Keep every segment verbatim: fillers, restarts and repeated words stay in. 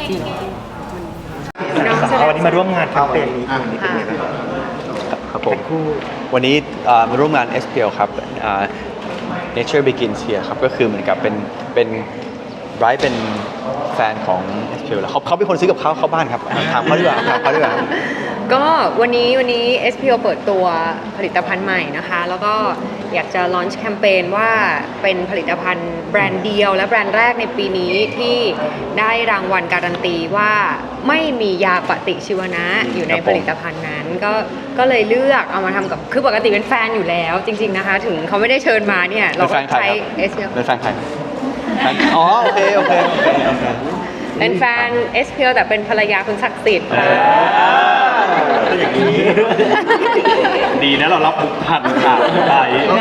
วันนี้มาร่วมงานแคมเปญนี้วันนี้เป็นไงบ้างครับผมวันนี้มาร่วมงาน เอส พี แอล ครับ Nature Begins Here ครับก็คือเหมือนกับเป็นเป็นไบรท์เป็นแฟนของ เอส พี แอล แล้วเขาเขาเป็นคนซื้อกับเขาเข้าบ้านครับถามเขาดีกว่าถามเขาดีกว่าก็วันนี้วันนี้ เอส พี แอล เปิดตัวผลิตภัณฑ์ใหม่นะคะแล้วก็อยากจะลอนช์แคมเปญว่าเป็นผลิตภัณฑ์แบรนด์เดียวและแบรนด์แรกในปีนี้ที่ได้รางวัลการันตีว่าไม่มียาปฏิชีวนะอยู่ในผลิตภัณฑ์นั้นก็ก็เลยเลือกเอามาทำกับคือปกติเป็นแฟนอยู่แล้วจริงๆนะคะถึงเขาไม่ได้เชิญมาเนี่ยเราก็ใช้ เอส พี แอลเป็นแฟนใครอ๋อโอเคโอเคโอเคโอเคเป็นแฟน เอส พี แอล แต่เป็นภรรยาคุณศักดิ์สิทธิ์ค่ะอย่างนี้ดีนะเรารับผูกพันค่ะไป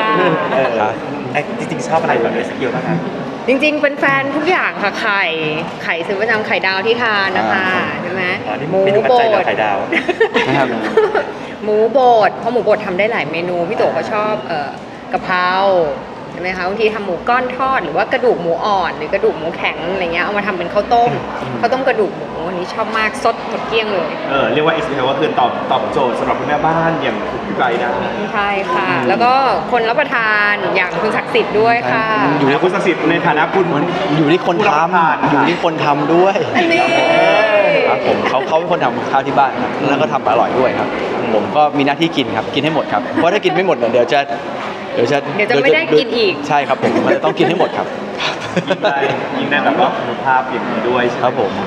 จริงๆชอบอะไรแบบ เอส พี แอล บ้างคะจริงๆเป็นแฟนทุกอย่างค่ะไข่ไข่ซื้อประจำไข่ดาวที่ทานนะคะใช่ไหมหมูโบดไข่ดาวหมูโบดเพราะหมูโบดทำได้หลายเมนูพี่โตเขาชอบเอ่อกะเพราใช่ไหมคะบางทีทำหมูก้อนทอดหรือว่ากระดูกหมูอ่อนหรือกระดูกหมูแข็งอะไรเงี้ยเอามาทำเป็นข้าวต้มข้าวต้มกระดูกหมูอันนี้ชอบมากสดหมดเกลี้ยงเลยเออเรียกว่า เอส พี แอล ก็คือตอบตอบโจทย์สำหรับคุณแม่บ้านอย่างพี่ไบนะใช่ค่ะแล้วก็คนรับประทานอย่างคุณศักดิ์สิทธิ์ด้วยค่ะอยู่ในคุณศักดิ์สิทธิ์ในฐานะคุณอยู่ที่คนทำอยู่ที่คนทำด้วยนี่ครับผมเขาเขาเป็นคนทำข้าวที่บ้านครับแล้วก็ทำอร่อยด้วยครับผมก็มีหน้าที่กินครับกินให้หมดครับเพราะถ้ากินไม่หมดเดี๋ยวจะเดี๋ยวจะเดี๋ยวจะไม่ได้กินอีกใช่ครับผมมันจะต้องกินให้หมดครับยิ่งได้ยิ่งได้แบบว่าคุณภาพอย่างนี้ด้วยใช่ครับผม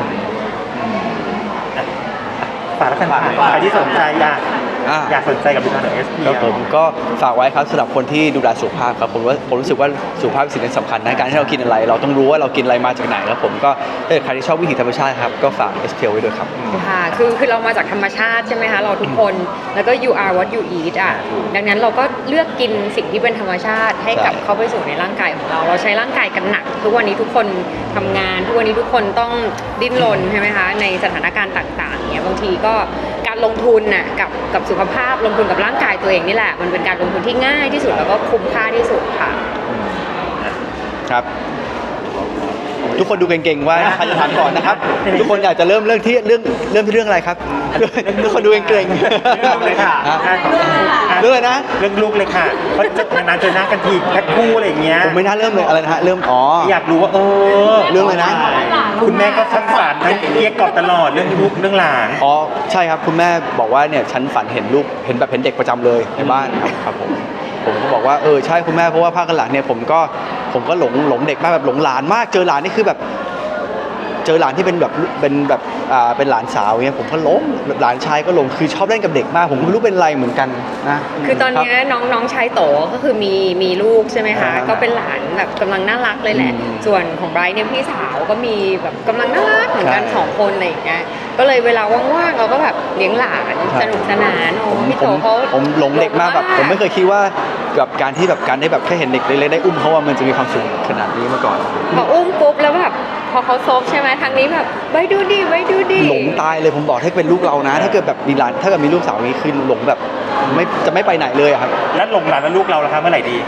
ฝากแล้วกันใครที่สนใจอยากอยากสนใจกับผลิตภัณฑ์ของ เอส พี แอลครับผมก็ฝากไว้ครับสำหรับคนที่ดูแลสุขภาพครับผมว่าผมรู้สึกว่าสุขภาพเป็นสิ่งที่สำคัญนะการที่เรากินอะไรเราต้องรู้ว่าเรากินอะไรมาจากไหนแล้วผมก็ถ้าเกิดใครที่ชอบวิถีธรรมชาติครับก็ฝาก เอส พี แอล ไว้ด้วยครับค่ะคือคือเรามาจากธรรมชาติใช่ไหมคะเราทุกคนแล้วก็ you are what you eat อ่ะดังนั้นเราก็เลือกกินสิ่งที่เป็นธรรมชาติให้กลับเข้าไปสู่ในร่างกายของเราเราใช้ร่างกายกันหนักทุกวันนี้ทุกคนทำงานทุกวันนี้ทุกคนต้องดิ้นรนใช่ไหมคะในสถานการณ์ต่างๆเนี่ยบางทีก็การลงทุนน่ะกับกับสุขภาพลงทุนกับร่างกายตัวเองนี่แหละมันเป็นการลงทุนที่ง่ายที่สุดแล้วก็คุ้มค่าที่สุดค่ะครับทุกคนดูเก่งๆว่าใครจะถามก่อนนะครับทุกคนอยากจะเริ่มเรื่องที่เรื่องเริ่มที่เรื่องอะไรครับทุกคนดูเก่งๆเรื่องเลยค่ะเรื่องอะไรนะเรื่องลูกเลยค่ะเพราะนานๆเจอหน้ากันทีแพ็คคู่อะไรอย่างเงี้ยผมไม่น่าเริ่มเลยอะไรนะฮะเริ่มอ๋ออยากรู้ว่าเออเรื่องอะไรนะคุณแม่ก็ทักฝันให้เรียกกอดตลอดเรื่องลูกเรื่องหลานอ๋อใช่ครับคุณแม่บอกว่าเนี่ยฉันฝันเห็นลูกเห็นแบบเห็นเด็กประจำเลยในบ้านครับครับผมผมก็บอกว่าเออใช่คุณแม่เพราะว่าภาคหลังเนี่ยผมก็ผมก็หลงหลงเด็กมากแบบหลงหลานมากเจอหลานนี่คือแบบเจอหลานที่เป็นแบบเป็นแบบอ่าเป็นหลานสาวเงี้ยผมก็หลงหลานชายก็หลงคือชอบเล่นกับเด็กมากผมก็ไม่รู้เป็นไรเหมือนกันนะคือตอนนี้น้องน้องชายโตก็คือมีมีลูกใช่ไหมคะก็เป็นหลานแบบกำลังน่ารักเลยแหละส่วนของไบรท์เนี่ยพี่สาวก็มีแบบกำลังน่ารักเหมือนกันสองคนอะไรอย่างเงี้ยก็เลยเวลาว่างๆเราก็แบบเลี้ยงหลานสนุกสนานโอ้พี่โตเขาผมหลงเด็กมากแบบผมไม่เคยคิดว่าแบบการที่แบบการได้แบบแค่เห็นเด็กเล็กๆได้อุ้มเขาว่ามันจะมีความสุขขนาดนี้มาก่อนพออุ้มปุ๊บแล้วแบบพอเขาซบใช่ไหมทางนี้แบบไว้ดูดิไว้ดูดิหลงตายเลยผมบอกถ้าเป็นลูกเรานะถ้าเกิดแบบมีหลานถ้าเกิดมีลูกสาวนี้คือหลงแบบไม่จะไม่ไปไหนเลยครับแล้วหลงหลานแล้วลูกเราล่ะครับเมื่อไหร่ดี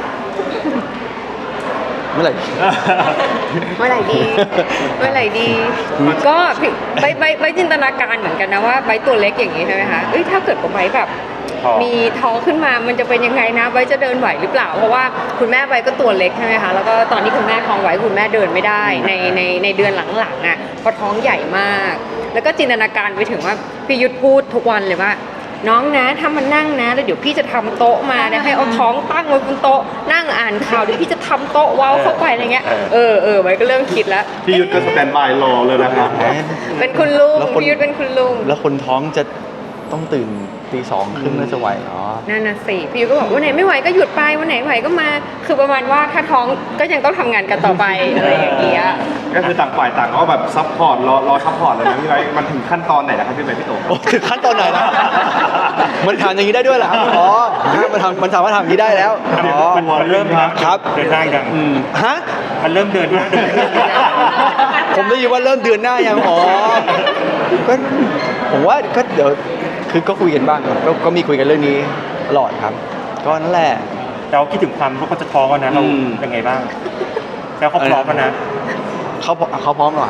เมื่อไหร่เมื่อไหร่ดีเมื่อไหร่ดีก็ใบใบใบจินตนาการเหมือนกันนะว่าใบตัวเล็กอย่างนี้ใช่ไหมคะเอ้ยถ้าเกิดกับใบแบบมีท้องขึ้นมามันจะเป็นยังไงนะใบจะเดินไหวหรือเปล่าเพราะว่าคุณแม่ใบก็ตัวเล็กใช่ไหมคะแล้วก็ตอนที่คุณแม่ท้องไหวคุณแม่เดินไม่ได้ในในในเดือนหลังๆอ่ะเพราะท้องใหญ่มากแล้วก็จินตนาการไปถึงว่าพี่ยุทธพูดทุกวันเลยว่าน้องนะถ้ามันนั่งนะแล้วเดี๋ยวพี่จะทำโต๊ะมาเนี่ยให้เอาท้องตั้งไว้บนโต๊ะนั่งอ่านข่าวเดี๋ยวพี่จะทำโต๊ะว้าวเข้าไปอะไรเงี้ยเออเออไว้ก็เริ่มคิดแล้วพี่ยุทธก็สแตนบายรอเลยนะครับเป็นคุณลุงพี่ยุทธเป็นคุณลุงแล้วคนท้องจะต้องตื่นตีสองครึ่งน่าจะไหวอ๋อนั่นน่ะสิพี่ยุทธก็บอกวันไหนไม่ไหวก็หยุดไปวันไหนไหวก็มาคือประมาณว่าถ้าท้องก็ยังต้องทำงานกันต่อไปอะไรอย่างเงี้ยก็คือต่างฝ่ายต่างก็แบบซัพพอร์ตรอรอซัพพอร์ตเลยนะพี่ไบมันถึงขั้นตอนไหนแล้วครับพี่ไบพี่โตถึงขั้นตอนไหนแล้วมันทำอย่างนี้ได้ด้วยเหรอครับอ๋อมันทำมันสามารถทำอย่างนี้ได้แล้วอ๋อมันเริ่มครับเดินได้ยังฮะมันเริ่มเดินหน้าเดินผมได้ยินว่าเริ่มเดือนหน้ายังอ๋อก็ผมว่าก็เดี๋ยวคือก็คุยกันบ้างครับก็มีคุยกันเรื่องนี้ตลอดครับก็นั่นแหละเราคิดถึงความว่าเขาจะท้องกันนะเราเป็นไงบ้างแล้วเขาพร้อมกันนะเขาเขาพร้อมหรอ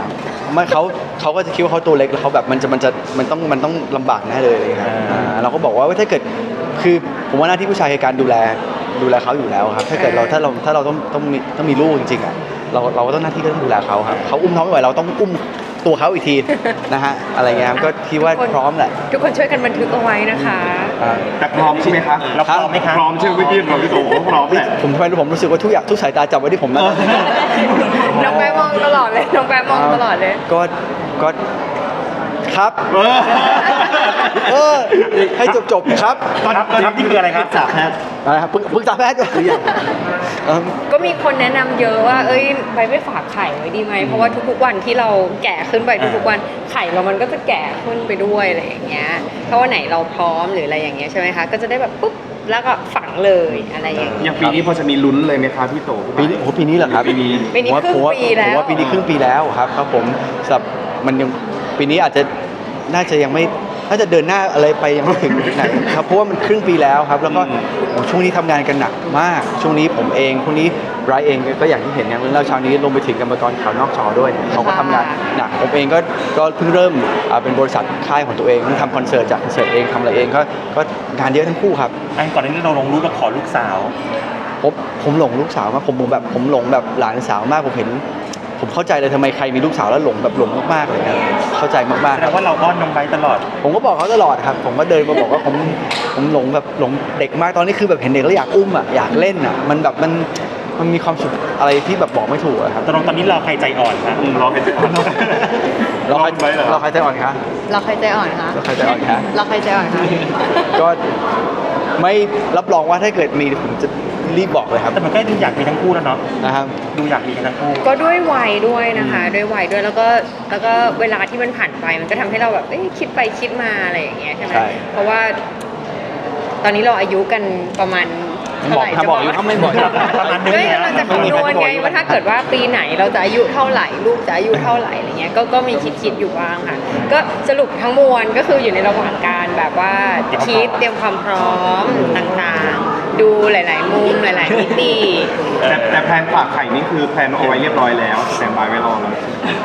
ไม่เขาเขาก็จะคิดว่าเขาตัวเล็กแล้วเขาแบบมันจะมันจะมันต้องมันต้องลำบากแน่เลยอะไรเลยครับอ่าเราก็บอกว่าถ้าเกิดคือผมว่าหน้าที่ผู้ชายคือการดูแลดูแลเขาอยู่แล้วครับถ้าเกิดเราถ้าเราถ้าเราต้องต้องมีต้องมีลูกจริงๆอ่ะเราเราก็ต้องหน้าที่ก็ต้องดูแลเขาครับเขาอุ้มท้องไม่ไหวเราต้องอุ้มตัวเขาอีกทีนะฮะอะไรเงี้ยครับก็คิดว่าพร้อมแหละทุกคนช่วยกันบันทึกเอาไว้นะคะอ่าแต่พร้อมใช่ไหมคะเราพร้อมไหมคะพร้อมใช่ไหมเมื่อกี้เราพี่โตพร้อมแหละผมทำไมผมรู้สึกว่าทุกอย่างทุกสายตาจับไว้ที่ผมนะน้องแปมองตลอดเลย น้องแปมองตลอดเลยก็ก็ครับเออเออให้จบจบๆครับครับครับนี่คืออะไรครับจากแพทย์อะไรครับปรึกปรึกษาแพทย์ก่อนเอิ่มก็มีคนแนะนำเยอะว่า เอ้ยไปไม่ฝากไข่ไว้ดีไหม เพราะว่าทุกๆวันที่เราแก่ขึ้นไปทุกๆวัน ไข่เรามันก็จะแก่ขึ้นไปด้วยอะไรอย่างเงี้ย ถ้าวันไหนเราพร้อมหรืออะไรอย่างเงี้ยใช่ไหมคะ ก็จะได้แบบปุ๊บ แล้วก็ฝังเลยอะไรอย่างเงี้ยอย่างปีนี้พอจะมีลุ้นเลยไหมคะพี่โตปีนี้โอ้โหปีนี้เหรอครับปีนี้ปีนี้ผมว่าครึ่งปีแล้วผมว่าปีนี้ครึ่งปีแล้วครับครับผมสำหรับมันยังปีนี้อาจจะน่าจะยังไม่น่าจะเดินหน้าอะไรไปยังไม่ถึงไหนครับเพราะว่ามันครึ่งปีแล้วครับแล้วก็โอ้ช่วงนี้ทำงานกันหนักมาก ช่วงนี้ผมเองช่วงนี้ไรเองก็อย่างที่เห็นอย่างเรื่องเล่าเช้านี้ลงไปถึงกรรมกรข่าวนอกจอด้วยเขาก็ทำงานหนักผมเองก็ก็เพิ่งเริ่มอ่าเป็นบริษัทค่ายของตัวเองเพิ่งทำคอนเสิร์ตจากคอนเสิร์ตเองทำอะไรเองก็ก็งานเยอะทั้งคู่ครับอันก่อนหน้านี้เราลงรูปเราขอลูกสาวผมผมหลงลูกสาวมากผมผมแบบผมหลงแบบหลานสาวมากผมเห็น ผมเข้าใจเลยทำไมใครมีลูกสาวแล้วหลงแบบหลงมากๆเลยนะเข้าใจมากๆแสคดรับงว่าเราอ้อนน้องไบร์ทตลอดผมก็บอกเขาตลอดครับ ผมก็เดินมาบอกว่าผมผมหลงแบบหลงเด็กมากตอนนี้คือแบบเห็นเด็กแล้วอยากอุ้มอ่ะอยากเล่นอ่ะมันแบบมันมันมีความสุขอะไรที่แบบบอกไม่ถูกอะครับตอนตอนนี้เราใครใจอ่อนนะอืมรอให้จะเราใครลองไปเหรอเราใครใจอ่อนคะเราใครใจอ่อนคะเราใครใจอ่อนคะเราใครใจอ่อนคะก็ไม่รับรองว่าถ้าเกิดมีผมจะรีบบอกเลยครับแต่มันก็ดูอยากมีทั้งคู่แล้วเนาะนะครับดูอยากมีกันทั้งคู่ก็ด้วยวัยด้วยนะคะด้วยวัยด้วยแล้วก็แล้วก็เวลาที่มันผ่านไปมันก็ทำให้เราแบบเอ๊ะคิดไปคิดมาอะไรอย่างเงี้ยใช่ไหมใช่เพราะว่า ตอนนี้เราอายุกันประมาณเท่าบอไหกร่ถ้าบอกอยู่จะถ้าไม่บอกประมาณนึงก็กำลังจะคำนวณไงว่าถ้าเกิดว่าปีไหนเราจะอายุเท่าไหร่ลูกจะอายุเท่าไหร่อะไรเงี้ยก็ก็มีคิดคิดอยู่บ้างค่ะก็สรุปทั้งมวลก็คืออยู่ในระหว่างการแบบว่าคิดเตรียมความพร้อมต่างๆ ดูหลาย ๆ มุมหลาย ๆ มิติแต่แต่แพลนฝากไข่นี่คือแพลนเอาไว้เรียบร้อยแล้วสแตนบายไว้รอแล้ว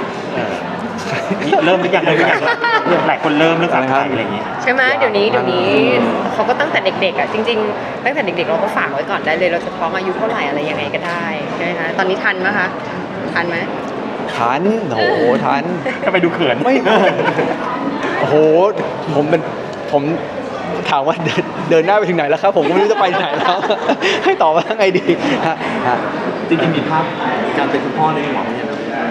เริ่มหรือยังเริ่มหรือยังหลายคนเริ่มเรื่องฝากไข่อะไรอย่างเงี้ยใช่ไหมเดี๋ยวนี้เดี๋ยวนี้เขาก็ตั้งแต่เด็กๆอ่ะจริงๆ ตั้งแต่เด็กๆเราก็ฝากไว้ก่อนได้เลย เราจะท้องอายุเท่าไหร่อะไรยังไงก็ได้ใช่ไหมคะตอนนี้ทันไหมคะทันไหมทันโอ้โหทันก็ไปดูเขินไม่ โอ้โห ผมเป็น ผมถามว่าเดินเดินหน้าไปถึงไหนแล้วครับ ผมก็ไม่รู้จะไปไหนแล้ว ให้ตอบว่าไงดีฮะฮะจริงๆมีภาพการเป็นคุณพ่อในหัวมั้ย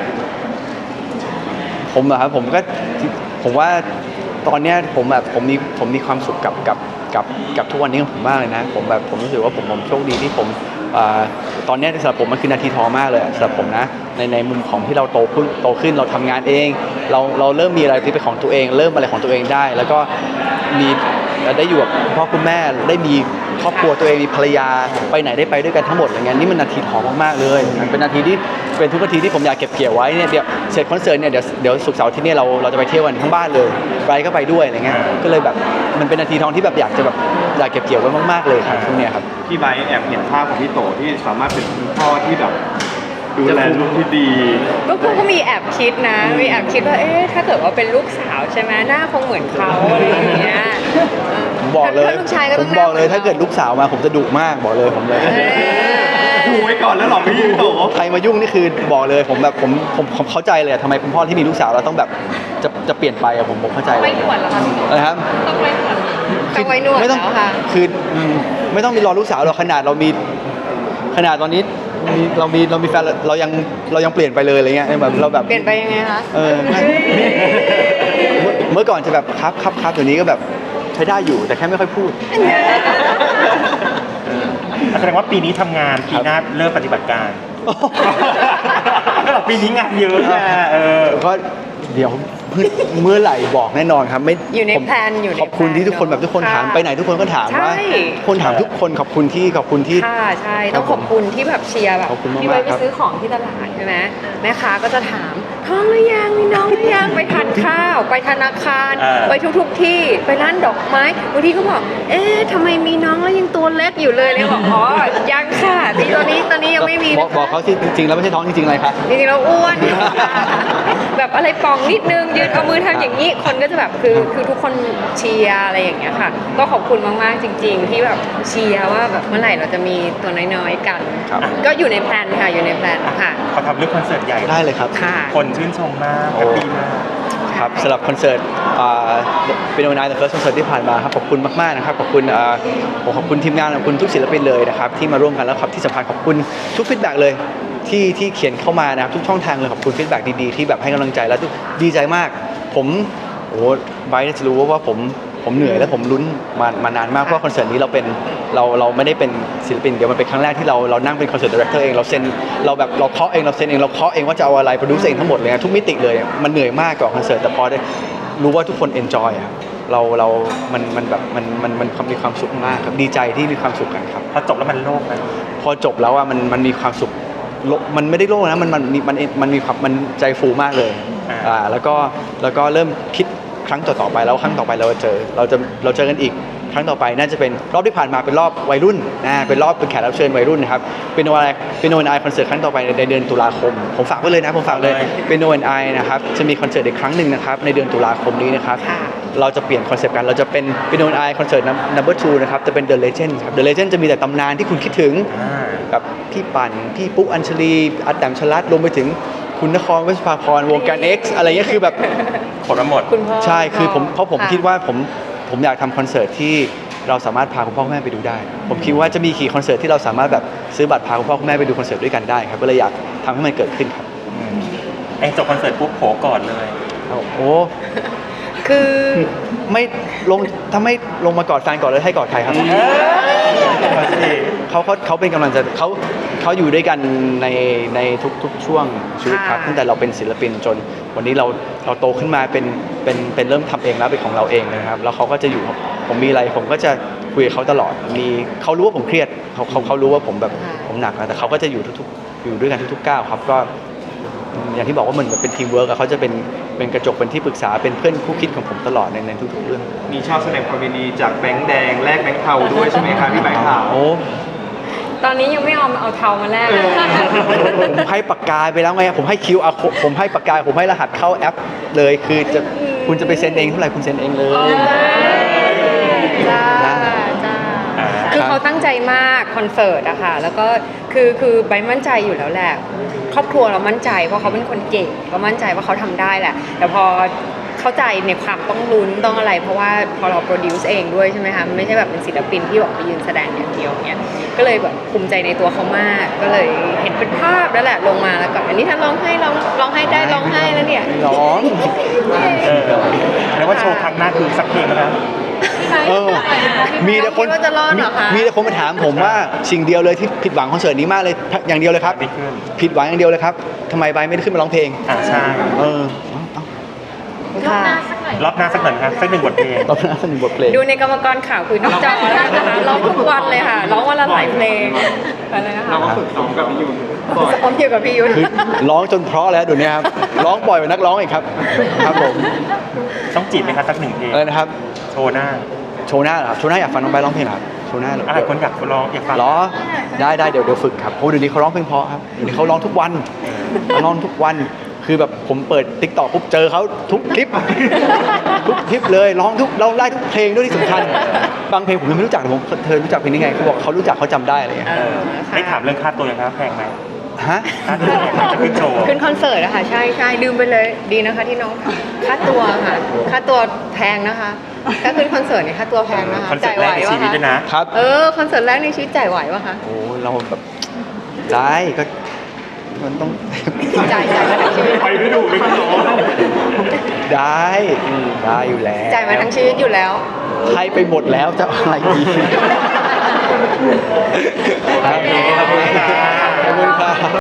ผมเหรอครับผมก็ผมว่าตอนเนี้ยผมแบบผมมีผมมีความสุขกับกับกับกับทุกวันนี้ของผมมากเลยนะ ผมแบบผมรู้สึกว่าผมผมโชคดีที่ผมอ่าตอนเนี้ยสำหรับผมมันคือนาทีทองมากเลยสำหรับผมนะในในมุมของที่เราโตขึ้นโตขึ้นเราทำงานเอง เราเราเริ่มมีอะไรที่เป็นของตัวเอง เริ่มอะไรของตัวเองได้ แล้วก็มีได้อยู่กับคุณพ่อคุณแม่ได้มีครอบครัวตัวเองมีภรรยาไปไหนได้ไปด้วยกันทั้งหมดอะไรเงี้ยนี่มันนาทีทองมากๆเลยมันเป็นนาทีที่เป็นทุกนาทีที่ผมอยากเก็บเกี่ยวไว้เนี่ยเดี๋ยวเสร็จคอนเสิร์ตเนี่ยเดี๋ยวเดี๋ยวศุกร์เสาร์อาที่นี่ยเราเราจะไปเที่ยวกันทั้งบ้านเลยไปก็ไปด้วยอะไรเงี้ยก็เลยแบบมันเป็นนาทีทองที่แบบอยากจะแบบอยากเก็บเกี่ยวไว้มากๆเลยครับช่วงเนี้ยครับพี่ไบร์ทแอบเห็นภาพของพี่โตที่สามารถเป็นคุณพ่อที่แบบดูแลลูกที่ดีก็กูก็มีแอบคิดนะ มีแอบคิดว่า เอ๊ะ ถ้าเกิดว่าเป็นลูกสาวใช่ไหมหน้าคงเหมือนเขาอะไรอย่างเงี้ยผมบอกเลยถ้าลูกชายก็ผต้อมงบอกเลยหน้ถ้าเกิดลูกสาวมาผมจะดุมากบอกเลยผมเลยเอ๊ะดูไว้ก่อนแล้วเหรอพี่โตใครมายุ่งนี่คือบอกเลยผมแบบผมผมผมเข้าใจเลยอะทำไมคุณพ่อที่มีลูกสาวเราต้องแบบจะจะเปลี่ยนไปอะผมผมเข้าใจเลยไม่หนวดเหรอคะพี่อะไรครับต้องไว้หนวดต้องไว้หนวดไม่ต้องแล้วค่ะคืออืมไม่ต้องมีรอลูกสาวเราขนาดเรามีขนาดตอนนี้มีเรามีเรามีแฟนเราเรายังเรายังเปลี่ยนไปเลยอะไรเงี้ยแบบเราแบบเปลี่ยนไปยังไงคะเออไม่เมื่อเมื่อก่อนจะแบบครับครับครับเดี๋ยวนี้ก็แบบใช้ได้อยู่แต่แค่ไม่ค่อยพูดแสดงว่าปีนี้ทำงานปีหน้าเริ่มปฏิบัติการปีนี้งานเยอะนะเออก็เดี๋ยวเมื่อเมื่อไหร่บอกแน่นอนครับไม่อยู่ในผมแพลนอยู่ในขอบคุณแพลนที่ทุกคนแบบทุกคนถามค่ะไปไหนทุกคนก็ถามว่าใช่ทุกคนถามทุกคนขอบคุณที่ขอบคุณที่ค่ะใช่ต้องขอบคุณที่แบบเชียร์แบบขอบคุณมากๆที่ไปไปครับซื้อของที่ตลาดใช่ไหมแม่ค้าก็จะถามท้องหรือยังมีน้องหรือยังไปทานข้าวไปธนาคารอ่าไปทุกๆที่ไปร้านดอกไม้บางทีก็บอกเอ๊ะทำไมมีน้องแล้วยังตัวเล็กอยู่เลยเลยบอกอ๋อยังค่ะที่ตอนนี้ตอนนี้ยังไม่มีบอกบอกเขาสิจริงๆแล้วไม่ใช่ท้องจริงๆอะไรคะจริงๆเราอ้วน แบบอะไรปองนิดนึงยืนเอามือทำอย่างนี้คนก็จะแบบคือคือทุกคนเชียร์อะไรอย่างเงี้ยค่ะ ก็ขอบคุณมากๆจริง ๆ ที่แบบเชียร์ว่าแบบเมื่อไหร่เราจะมีตัวน้อยๆกันครับก็อยู่ในแพลนค่ะอยู่ในแพลนค่ะเขาทำเรื่องคอนเสิร์ตใหญ่ได้เลยครับค่ะคนชื่นชมมากแฮปปี้มากครับสำหรับคอนเสิร์ตเป็นวันนายเดอะเฟิร์สคอนเสิร์ตที่ผ่านมาครับขอบคุณมากๆนะครับขอบคุณอ่าผมขอบคุณทีมงานขอบคุณทุกศิลปินเลยนะครับที่มาร่วมกันแล้วครับที่สำคัญขอบคุณทุกฟีดแบ็กเลยที่ที่เขียนเข้ามานะครับทุกช่องทางเลยขอบคุณฟีดแบ็กดีๆที่แบบให้กำลังใจแล้วทุกดีใจมาก ผมโอ้ไบร์ทจะรู้ว่าว่าผมผมเหนื่อยและผมลุ้นมามานานมากเพราะว่าคอนเสิร์ตนี้เราเป็นเราเราไม่ได้เป็นศิลปินเดียวมันเป็นครั้งแรกที่เราเรานั่งเป็นคอนเสิร์ตดีเรคเตอร์เองเราเซ็นเราแบบเราเคาะเองเราเซ็นเองเราเคาะเองว่าจะเอาอะไรโปรดิวเซอร์เองทั้งหมดเลยนะทุกมิติเลยมันเหนื่อยมากกับคอนเสิร์ตแต่พอได้รู้ว่าทุกคนเอนจอยอะเราเรา มันมันแบบมันมันมันมีความสุขมากครับดีใจที่มีความสุขกันครับพอจบแล้วมันโล่งนะพอจบแล้วอ่ะมันมันมีความสุขโลมันไม่ได้โล่งนะมันมันมันมันมีความมันใจฟูมากเลยอ่าแล้วก็แล้วก็เริ่มคิดครั้งต่อๆไปแล้วครั้งต่อไปเราจะเจอเราจะเราเจอกันอีกครั้งต่อไปน่าจะเป็นรอบที่ผ่านมาเป็นรอบวัยรุ่นนะเป็นรอบเป็นแขกรับเชิญวัยรุ่นนะครับเป็นโนไอเป็นโนไอคอนเสิร์ตครั้งต่อไปในเดือนตุลาคมผมฝากไว้เลยนะผมฝากเลยเป็นโนไอนะครับจะมีคอนเสิร์ตอีกครั้งหนึ่งนะครับในเดือนตุลาคมนี้นะครับค่ะเราจะเปลี่ยนคอนเซปต์กันเราจะเป็นเป็นโนไอคอนเสิร์ตนัมเบอร์ทูนะครับจะเป็น The Legend ครับ The Legend จะมีแต่ตำนานที่คุณคิดถึงอ่าแบบพี่ปั่นพี่ปุ๊กอัญชลีอัดแดมชลัดรวมไปถึงคุณนครเวชภาพรวงการ X อะไรเงี้ยคือแบบผลมาหมดคุณพ่อใช่คือผมเพราะผมค่ะคิดว่าผมผมอยากทำคอนเสิร์ตที่เราสามารถพาคุณพ่อคุณแม่ไปดูได้ ผมคิดว่าจะมีกี่คอนเสิร์ตที่เราสามารถแบบซื้อบัตรพาคุณพ่อคุณแม่ไปดูคอนเสิร์ตด้วยกันได้ครับก็เลยอยากทำให้มันเกิดขึ้นครับอืมไอ้จบคอนเสิร์ตปุ๊บโผก่อนเลยโอ้คือไม่ลงถ้าไม่ลงมากอดแฟนก่อนเลยให้กอดใครครับมาสิเขาเขาเขาเป็นกำลังใจเขาเขาอยู่ด้วยกันในในทุกทุกช่วงชีวิตครับค่ะตั้งแต่เราเป็นศิลปินจนวันนี้เราเราโตขึ้นมาเป็นเป็นเป็นเริ่มทำเองแล้วเป็นของเราเองนะครับแล้วเขาก็จะอยู่ผมมีอะไรผมก็จะคุยกับเขาตลอดมีเขารู้ว่าผมเครียดเขาเขาเขารู้ว่าผมแบบผมหนักนะแต่เขาก็จะอยู่ทุกๆอยู่ด้วยกันทุกๆก้าวครับก็อย่างที่บอกว่ามันเหมือนเป็นทีมเวิร์กอะเขาจะเป็นเป็นกระจกเป็นที่ปรึกษาเป็นเพื่อนคู่คิดของผมตลอดในในทุกๆเรื่องมีชอบแสดงความยินดีจากแบงค์แดงแลกแบงค์เทาด้วยใช่ไหมครับพี่แบงค์ขาวโอ้ตอนนี้ยังไม่เอาเอาเทามาแลกผมให้ปากกาไปแล้วไง ผมให้คิวอาผมให้ปากกา ผมให้รหัสเข้าแอปเลยคือจะคุณจะไปเซ็นเองเท่าไหร่คุณเซ็นเองเลยจ้านะจ้าอ่าคือเขาตั้งใจมากคอนเสิร์ตอะค่ะแล้วก็คือคือใบมั่นใจอยู่แล้วแหละครอบครัวเรามั่นใจเพราะเขาเป็นคนเก่งก็มั่นใจว่าเขาทำได้แหละ แต่พอเข้าใจในความต้องลุ้นต้องอะไร เพราะว่าพอเราโปรดิวซ์เองด้วยใช่ไหมคะไม่ใช่แบบเป็นศิลปินที่แบบไปยืนแสดงอย่างเดียวเนี้ยก็เลยแบบภูมิใจในตัวเขามาก ก็เลยเห็นเป็นภาพแล้วแหละลงมาแล้วก็อันนี้ท่านร้องให้ร้องร้องให้ได้ร้องให้แล้วเนี่ยร้องเออแล้วว่าโชว์ครั้งหน้าคือสักเพลงแล้วเออ มีแต่คนคิดว่าจะรอดเหรอคะมีแต่คนมาถามผมว่าสิ่งเดียวเลยที่ผิดหวังคอนเสิร์ตนี้มากเลยอย่างเดียวเลยครับไม่ขึ้นผิดหวังอย่างเดียวเลยครับทำไมใบไม่ได้ขึ้นมาร้องเพลงอ่าใช่เออค่ะรอบหน้าสักหน่อยนะครับสักหนึ่งบทเพลงตอนนั้นสนุกบทเพลงดูในกรรมกรข่าวคุยนอกจอได้นะคะร้องทุกวันเลยค่ะร้องวันละหลายเพลงอะไรนะคะเราก็ฝึกซ้อมกับพี่ยุนบ่อยซ้อมอยู่กับพี่ยุทธคือร้องจนเพราะแล้วเดี๋ยวนี้ครับ ร้องบ่อยกว่านักร้องอีกครับ ครับผมต้องจีบไหมครับสักหนึ่งเพลงอะไรนะครับโชว์หน้าโชว์หน้าเหรอครับ โชว์หน้าอยากฟังน้องใบร้องเพลงเหรอครับ โชว์หน้าเหรออ่าคนอยากร้องอยากฟังเหรอ ได้ได้เดี๋ยวเดี๋ยวฝึกครับโอ้เดี๋ยวนี้เขาร้องเพลงเพราะครับ เดี๋ยวนี้เขาร้องทุกวันเขาร้องทุกวัน คือแบบผมเปิดติ๊กต็อกปุ๊บเจอเขาทุกคลิป ทุกคลิปเลยร้องทุกเราได้ทุกเพลงด้วยที่สำคัญ บางเพลงผมยังไม่รู้จักแต่ผมเธอรู้จักเพลงนี้ไงเขาบอกเขารู้จักเขาจำได้อะไรอย่างเงี้ยเอเอออค่ะได้ถามเรื่องค่าตัวยังครับแพงไหมฮะค่าตัวแพงไหมจะขึ้นโชว์ขึ้นคอนเสิร์ตอะค่ะใช่ใช่ลืมไปเลยดีนะคะที่น้องค่าตัวค่ะ ค่าตัวแพงนะคะถ้าขึ้นคอนเสิร์ตเนี่ยค่าตัวแพงนะคะคอนเสิร์จ่าตยแรไหวกในชีวะวิตคะด้วยนะครับเออคอนเสิร์ตแรกในชีวิตจ่ายไหววะคะโอ้เราแบบได้ก็มันต้องจ่ายจ่ายมาทั้งชีวิตไปไม่ถูกเลยคุณโจได้ได้อยู่แล้วจ่ายมาทั้งชีวิตอยู่แล้วให้ไปหมดแล้วจะเอาอะไรดีครับโอเคขอบคุณค่ะขอบคุณครับ